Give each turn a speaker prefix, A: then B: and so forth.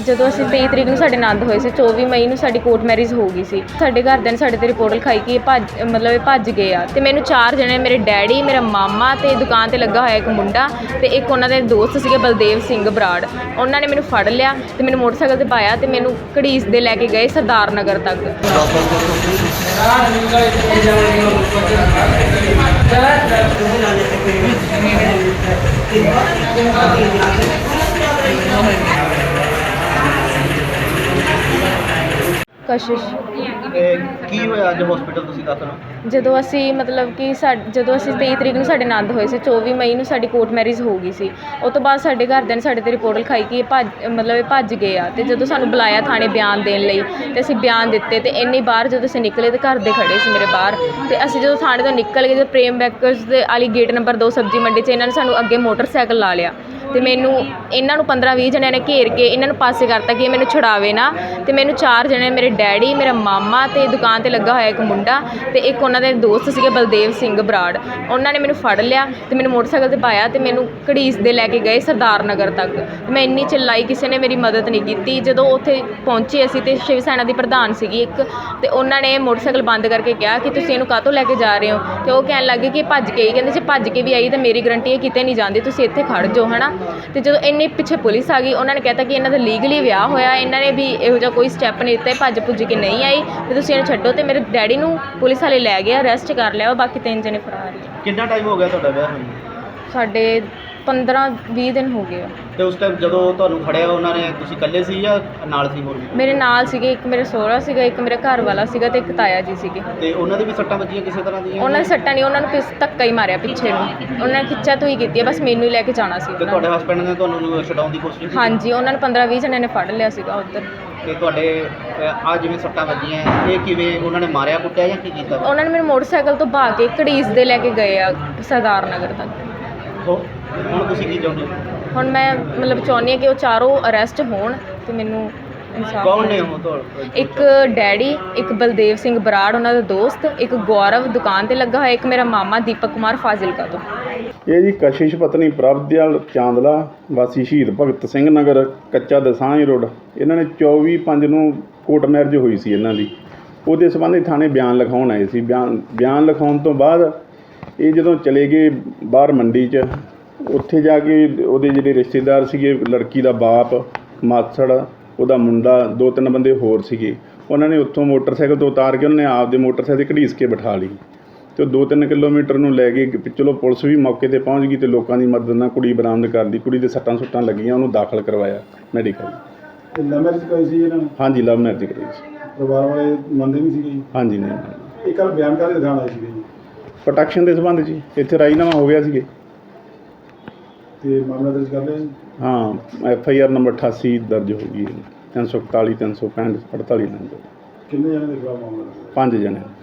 A: ਜਦੋਂ ਅਸੀਂ 23 ਤਰੀਕ ਨੂੰ ਸਾਡੇ ਆਨੰਦ ਹੋਏ ਸੀ, 24 ਮਈ ਨੂੰ ਸਾਡੀ ਕੋਰਟ ਮੈਰਿਜ ਹੋ ਗਈ ਸੀ। ਸਾਡੇ ਘਰਦਿਆਂ ਨੇ ਸਾਡੇ ਤੇ ਰਿਪੋਰਟ ਲਿਖਾਈ ਕਿ ਇਹ ਭੱਜ ਗਏ ਆ। ਤੇ ਮੈਨੂੰ 4 ਜਣੇ, ਮੇਰੇ ਡੈਡੀ, ਮੇਰਾ ਮਾਮਾ ਤੇ ਦੁਕਾਨ ਤੇ ਲੱਗਾ ਹੋਇਆ ਇੱਕ ਮੁੰਡਾ ਤੇ ਇੱਕ ਉਹਨਾਂ ਦੇ ਦੋਸਤ ਸੀਗੇ ਬਲਦੇਵ ਸਿੰਘ ਬਰਾੜ। ਉਹਨਾਂ ਨੇ ਮੈਨੂੰ ਫੜ ਲਿਆ ਤੇ ਮੈਨੂੰ ਮੋਟਰਸਾਈਕਲ ਤੇ ਪਾਇਆ ਤੇ ਮੈਨੂੰ ਘੜੀਸ ਦੇ ਲੈ ਕੇ ਗਏ ਸਰਦਾਰ ਨਗਰ ਤੱਕ। ਕਸ਼ਿਸ਼
B: ਕੀ ਹੋਇਆ ਅੱਜ ਹਸਪੀਟਲ ਤੁਸੀਂ ਦਾਖਲ ਹੋ?
A: ਜਦੋਂ ਅਸੀਂ ਜਦੋਂ ਅਸੀਂ 23 ਤਰੀਕ ਨੂੰ ਸਾਡੇ ਆਨੰਦ ਹੋਏ ਸੀ, 24 ਮਈ ਨੂੰ ਸਾਡੀ ਕੋਰਟ ਮੈਰਿਜ ਹੋ ਗਈ ਸੀ। ਉਸ ਤੋਂ ਬਾਅਦ ਸਾਡੇ ਘਰਦਿਆਂ ਨੇ ਸਾਡੇ ਤੇ ਰਿਪੋਰਟ ਲਿਖਾਈ ਕਿ ਇਹ ਭੱਜ ਗਏ ਆ। ਤੇ ਜਦੋਂ ਸਾਨੂੰ ਬੁਲਾਇਆ ਥਾਣੇ ਬਿਆਨ ਦੇਣ ਲਈ ਤੇ ਅਸੀਂ ਬਿਆਨ ਦਿੱਤੇ ਤੇ ਇੰਨੀ ਬਾਹਰ ਜਦੋਂ ਅਸੀਂ ਨਿਕਲੇ ਤੇ ਘਰ ਦੇ ਖੜੇ ਸੀ ਮੇਰੇ ਬਾਹਰ। ਤੇ ਅਸੀਂ ਜਦੋਂ ਥਾਣੇ ਤੋਂ ਨਿਕਲ ਗਏ ਤੇ ਪ੍ਰੇਮ ਬੈਕਰਸ ਦੇ ਵਾਲੀ ਗੇਟ ਨੰਬਰ 2 ਸਬਜ਼ੀ ਮੰਡੀ 'ਚ ਇਹਨਾਂ ਨੇ ਸਾਨੂੰ ਅੱਗੇ ਮੋਟਰਸਾਈਕਲ ਲਾ ਲਿਆ ਤੇ ਮੈਨੂੰ ਇਹਨਾਂ ਨੂੰ 15-20 ਜਣਿਆਂ ਨੇ ਘੇਰ ਕੇ ਇਹਨਾਂ ਨੂੰ ਪਾਸੇ ਕਰਤਾ ਕਿ ਇਹ ਮੈਨੂੰ ਛੁਡਾਵੇ ਨਾ। ਤੇ ਮੈਨੂੰ 4 ਜਣੇ, ਮੇਰੇ ਡੈਡੀ, ਮੇਰਾ ਮਾਮਾ ਤੇ ਦੁਕਾਨ ਤੇ ਲੱਗਾ ਹੋਇਆ ਇੱਕ ਮੁੰਡਾ ਤੇ ਇੱਕ ਉਹਨਾਂ ਦੇ ਦੋਸਤ ਸੀਗੇ ਬਲਦੇਵ ਸਿੰਘ ਬਰਾੜ। ਉਹਨਾਂ ਨੇ ਮੈਨੂੰ ਫੜ ਲਿਆ ਤੇ ਮੈਨੂੰ ਮੋਟਰਸਾਈਕਲ ਤੇ ਪਾਇਆ ਤੇ ਮੈਨੂੰ ਘੜੀਸ ਦੇ ਲੈ ਕੇ ਗਏ ਸਰਦਾਰ ਨਗਰ ਤੱਕ। ਮੈਂ ਇੰਨੀ ਚਿল্ਲਾਈ, ਕਿਸੇ ਨੇ ਮੇਰੀ ਮਦਦ ਨਹੀਂ ਕੀਤੀ। ਜਦੋਂ ਉੱਥੇ ਪਹੁੰਚੇ ਅਸੀਂ ਤੇ ਸ਼ਿਵ ਸੈਨਾ ਦੀ ਪ੍ਰਧਾਨ ਸੀਗੀ ਇੱਕ, ਤੇ ਉਹਨਾਂ ਨੇ ਮੋਟਰਸਾਈਕਲ ਬੰਦ ਕਰਕੇ ਕਿਹਾ ਕਿ ਤੁਸੀਂ ਇਹਨੂੰ ਕਾਹਤੋਂ ਲੈ ਕੇ ਜਾ ਰਹੇ ਹੋ। ਤੇ ਉਹ ਕਹਿਣ ਲੱਗੇ ਕਿ ਭੱਜ ਕੇ ਹੀ, ਕਹਿੰਦੇ ਜੇ ਭੱਜ ਕੇ ਵੀ ਆਈ ਤਾਂ ਮੇਰੀ ਗਰੰਟੀ ਹੈ ਕਿਤੇ ਨਹੀਂ ਜਾਂਦੀ, ਤੁਸੀਂ ਇੱਥੇ ਖੜ੍ਹ ਜਾਓ ਹੈ ਨਾ। ਤੇ ਜਦੋਂ ਇੰਨੇ ਪਿੱਛੇ ਪੁਲਿਸ ਆ ਗਈ, ਉਹਨਾਂ ਨੇ ਕਹਿਤਾ ਕਿ ਇਹਨਾਂ ਦਾ ਲੀਗਲੀ ਵਿਆਹ ਹੋਇਆ, ਇਹਨਾਂ ਨੇ ਵੀ ਇਹੋ ਜਿਹਾ ਕੋਈ ਸਟੈਪ ਨਹੀਂ ਦਿੱਤਾ, ਭੱਜ ਭੁੱਜ ਕੇ ਨਹੀਂ ਆਈ ਤੇ ਤੁਸੀਂ ਇਹਨੂੰ ਛੱਡੋ। ਤੇ ਮੇਰੇ ਡੈਡੀ ਨੂੰ ਪੁਲਿਸ ਵਾਲੇ ਲੈ ਗਏ, ਅਰੈਸਟ ਕਰ ਲਿਆ। ਬਾਕੀ 3 ਜਣੇ ਫਰਾਰ ਹੈ।
B: ਕਿੰਨਾ ਟਾਈਮ ਹੋ ਗਿਆ ਤੁਹਾਡਾ ਵਿਆਹ ਹੋਇਆ?
A: ਸਾਡੇ 15-20 ਦਿਨ ਹੋ ਗਏ ਆ।
B: ਤੇ ਉਸ ਟਾਈਮ ਜਦੋਂ ਤੁਹਾਨੂੰ ਫੜਿਆ ਉਹਨਾਂ ਨੇ, ਤੁਸੀਂ ਇਕੱਲੇ ਸੀ ਜਾਂ ਨਾਲ ਸੀ ਹੋਰ ਵੀ?
A: ਮੇਰੇ ਨਾਲ ਸੀਗੇ, ਇੱਕ ਮੇਰੇ ਸਹੁਰਾ ਸੀਗਾ, ਇੱਕ ਮੇਰੇ ਘਰ ਵਾਲਾ ਸੀਗਾ ਤੇ ਇੱਕ ਤਾਇਆ ਜੀ ਸੀਗੇ।
B: ਤੇ ਉਹਨਾਂ ਦੇ ਵੀ ਸੱਟਾਂ ਵੱਜੀਆਂ ਕਿਸੇ ਤਰ੍ਹਾਂ ਦੀਆਂ?
A: ਉਹਨਾਂ ਦੇ ਸੱਟਾਂ ਨਹੀਂ, ਉਹਨਾਂ ਨੂੰ ਧੱਕਾ ਹੀ ਮਾਰਿਆ ਪਿੱਛੇ ਨੂੰ। ਉਹਨਾਂ ਨੇ ਖਿੱਚਾ ਤੋਂ ਹੀ ਕੀਤੀ ਹੈ, ਬਸ ਮੈਨੂੰ ਹੀ ਲੈ ਕੇ ਜਾਣਾ ਸੀ।
B: ਤੇ ਤੁਹਾਡੇ ਹਸਬੈਂਡ ਨੇ ਤੁਹਾਨੂੰ ਛਡਾਉਣ ਦੀ ਕੋਸ਼ਿਸ਼ ਕੀਤੀ?
A: ਹਾਂਜੀ, ਉਹਨਾਂ ਨੇ 15-20 ਜਣਿਆਂ ਨੇ ਫੜ ਲਿਆ ਸੀਗਾ ਉੱਧਰ।
B: ਤੇ ਤੁਹਾਡੇ ਆ ਜਿਵੇਂ ਸੱਟਾਂ ਵੱਜੀਆਂ, ਇਹ ਕਿਵੇਂ ਉਹਨਾਂ ਨੇ ਮਾਰਿਆ ਕੁੱਟਿਆ ਜਾਂ ਕੀ ਕੀਤਾ?
A: ਉਹਨਾਂ ਨੇ ਮੈਨੂੰ ਮੋਟਰਸਾਈਕਲ ਤੋਂ ਬਹਾ ਕੇ ਘੜੀਸ ਦੇ ਲੈ ਕੇ ਗਏ ਆ ਸਰਦਾਰ ਨਗਰ ਤੱਕ।
B: ਹੁਣ ਤੁਸੀਂ ਕੀ ਚਾਹੁੰਦੇ ਹੋ?
A: ਹੁਣ ਮੈਂ ਚਾਹੁੰਦੀ ਹਾਂ ਕਿ ਉਹ ਚਾਰੋਂ ਅਰੈਸਟ ਹੋਣ ਤੇ ਮੈਨੂੰ ਇਨਸਾਫ।
B: ਕੌਣ ਨੇ ਉਹ ਤੁਹਾਡੇ?
A: ਇੱਕ ਡੈਡੀ, ਇੱਕ ਬਲਦੇਵ ਸਿੰਘ ਬਰਾੜ ਉਹਨਾਂ ਦਾ ਦੋਸਤ, ਇੱਕ ਗੌਰਵ ਦੁਕਾਨ ਤੇ ਲੱਗਾ ਹੋਇਆ, ਇੱਕ ਮੇਰਾ ਮਾਮਾ ਦੀਪਕ ਕੁਮਾਰ ਫਾਜ਼ਿਲਕਾ ਤੋਂ।
C: ਇਹ ਜੀ ਕਸ਼ਿਸ਼ ਪਤਨੀ ਪ੍ਰਭਦਿਆਲ ਚਾਂਦਲਾ ਵਾਸੀ ਸ਼ਹੀਦ ਭਗਤ ਸਿੰਘ ਨਗਰ ਕੱਚਾ ਦਸਾਂਝ ਰੋਡ। ਇਹਨਾਂ ਨੇ 24/5 ਨੂੰ ਕੋਰਟ ਮੈਰਿਜ ਹੋਈ ਸੀ ਇਹਨਾਂ ਦੀ। ਉਹਦੇ ਸੰਬੰਧੀ ਥਾਣੇ ਬਿਆਨ ਲਿਖਾਉਣ ਆਏ ਸੀ। ਬਿਆਨ ਲਿਖਾਉਣ ਤੋਂ ਬਾਅਦ ਇਹ ਜਦੋਂ ਚਲੇ ਗਏ ਬਾਹਰ ਮੰਡੀ 'ਚ, ਉੱਥੇ ਜਾ ਕੇ ਉਹਦੇ ਜਿਹੜੇ ਰਿਸ਼ਤੇਦਾਰ ਸੀਗੇ, ਲੜਕੀ ਦਾ ਬਾਪ, ਮਾਸੜ, ਉਹਦਾ ਮੁੰਡਾ, 2-3 ਬੰਦੇ ਹੋਰ ਸੀਗੇ, ਉਹਨਾਂ ਨੇ ਉੱਥੋਂ ਮੋਟਰਸਾਈਕਲ ਤੋਂ ਉਤਾਰ ਕੇ ਉਹਨਾਂ ਨੇ ਆਪਦੇ ਮੋਟਰਸਾਈਕਲ 'ਤੇ ਘੜੀਸ ਕੇ ਬਿਠਾ ਲਈ ਤੇ 2-3 ਕਿਲੋਮੀਟਰ ਨੂੰ ਲੈ ਗਏ। ਚਲੋ ਪੁਲਿਸ ਵੀ ਮੌਕੇ 'ਤੇ ਪਹੁੰਚ ਗਈ ਤੇ ਲੋਕਾਂ ਦੀ ਮਦਦ ਨਾਲ ਕੁੜੀ ਬਰਾਮਦ ਕਰ ਲਈ। ਕੁੜੀ ਦੇ ਸੱਟਾਂ ਸੁੱਟਾਂ ਲੱਗੀਆਂ, ਉਹਨੂੰ ਦਾਖਲ ਕਰਵਾਇਆ ਮੈਡੀਕਲ।
D: ਲਵ ਮੈਰਿਜ ਕਰਾਈ ਸੀ ਇਹਨਾਂ ਨੇ?
C: ਹਾਂਜੀ, ਲਵ ਮੈਰਿਜ ਕਰਾਈ ਸੀ।
D: ਪਰਿਵਾਰ ਵਾਲੇ ਮੰਨਦੇ ਨਹੀਂ ਸੀਗੇ ਜੀ?
C: ਹਾਂਜੀ, ਨਹੀਂ।
D: ਇਹ ਕੱਲ੍ਹ ਬਿਆਨ ਕਾਹਦੇ ਦਿਖਾਉਣ ਆਏ ਸੀਗੇ ਜੀ?
C: ਪ੍ਰੋਟੈਕਸ਼ਨ ਦੇ ਸੰਬੰਧ 'ਚ ਇੱਥੇ ਰਾਜੀਨਾਮਾ ਹੋ ਗਿਆ ਸੀਗੇ
D: ਤੇ ਮਾਮਲਾ ਦਰਜ ਕਰ ਲਿਆ ਜੀ?
C: ਹਾਂ, FIR ਨੰਬਰ 88 ਦਰਜ ਹੋ ਗਈ ਹੈ। 341, 365, 48 ਨੰਬਰ।
D: ਕਿੰਨੇ ਜਣੇ ਦੇ ਖਿਲਾਫ ਮਾਮਲਾ ਦਰਜ?
C: 5 ਜਣੇ।